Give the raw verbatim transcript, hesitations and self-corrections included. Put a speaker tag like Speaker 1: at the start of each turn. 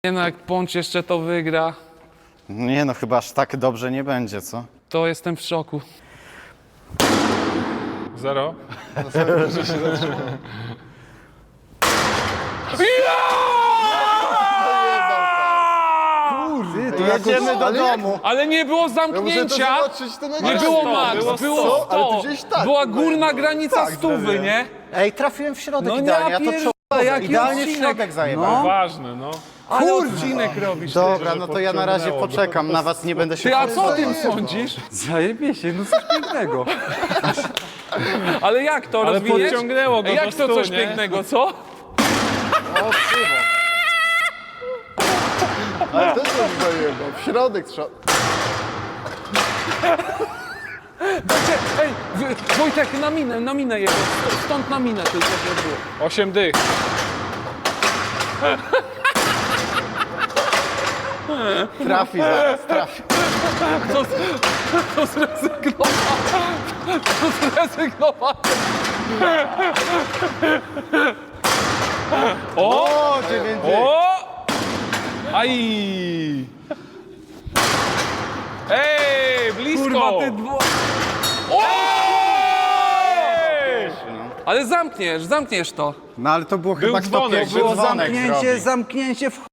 Speaker 1: Nie no, jak Pącz jeszcze to wygra,
Speaker 2: Nie no, chyba aż tak dobrze nie będzie, co?
Speaker 1: to jestem w szoku.
Speaker 3: Zero.
Speaker 2: Ty, to jedziemy do domu.
Speaker 1: Ale nie było zamknięcia, nie było max,
Speaker 3: było
Speaker 1: było
Speaker 3: sto,
Speaker 1: sto. Była górna granica stówy, nie?
Speaker 2: Ej, trafiłem w środek
Speaker 1: No nie,
Speaker 2: idealnie, ja to
Speaker 1: pierdolę,
Speaker 2: przoduję.
Speaker 1: jaki
Speaker 2: Idealnie w
Speaker 1: odcinek.
Speaker 2: środek zajebałem.
Speaker 3: Ważne, no.
Speaker 1: Ale odcinek robisz.
Speaker 2: Dobra, no to ja na razie
Speaker 3: podciągnęło go.
Speaker 2: poczekam, na was nie będę się...
Speaker 1: Ty, a co o tym sądzisz?
Speaker 4: Zajebie no coś pięknego.
Speaker 1: Ale jak to
Speaker 3: Ale
Speaker 1: rozwiniesz?
Speaker 3: podciągnęło go
Speaker 1: Ej,
Speaker 3: do
Speaker 1: Jak to
Speaker 3: stu,
Speaker 1: coś
Speaker 3: nie?
Speaker 1: pięknego, co?
Speaker 5: Ale też coś zajebał. W środek trzeba...
Speaker 1: Dajcie, ej, Wy- Wojtek, na minę, na minę jego, stąd na minę tylko się było.
Speaker 3: Osiem dych.
Speaker 2: Trafi zaraz, trafi.
Speaker 1: To, to zrezygnował. To zrezygnował.
Speaker 2: O, dziewięć.
Speaker 1: O! Aj! Ej, blisko!
Speaker 4: Kurwa, ty dwo...
Speaker 1: O! Ale zamkniesz, zamkniesz to.
Speaker 2: No ale to było chyba kto
Speaker 3: dzwonek,
Speaker 2: pierwszy
Speaker 4: Było
Speaker 2: dzwonek
Speaker 4: zamknięcie,
Speaker 2: zrobi.
Speaker 4: zamknięcie w ch...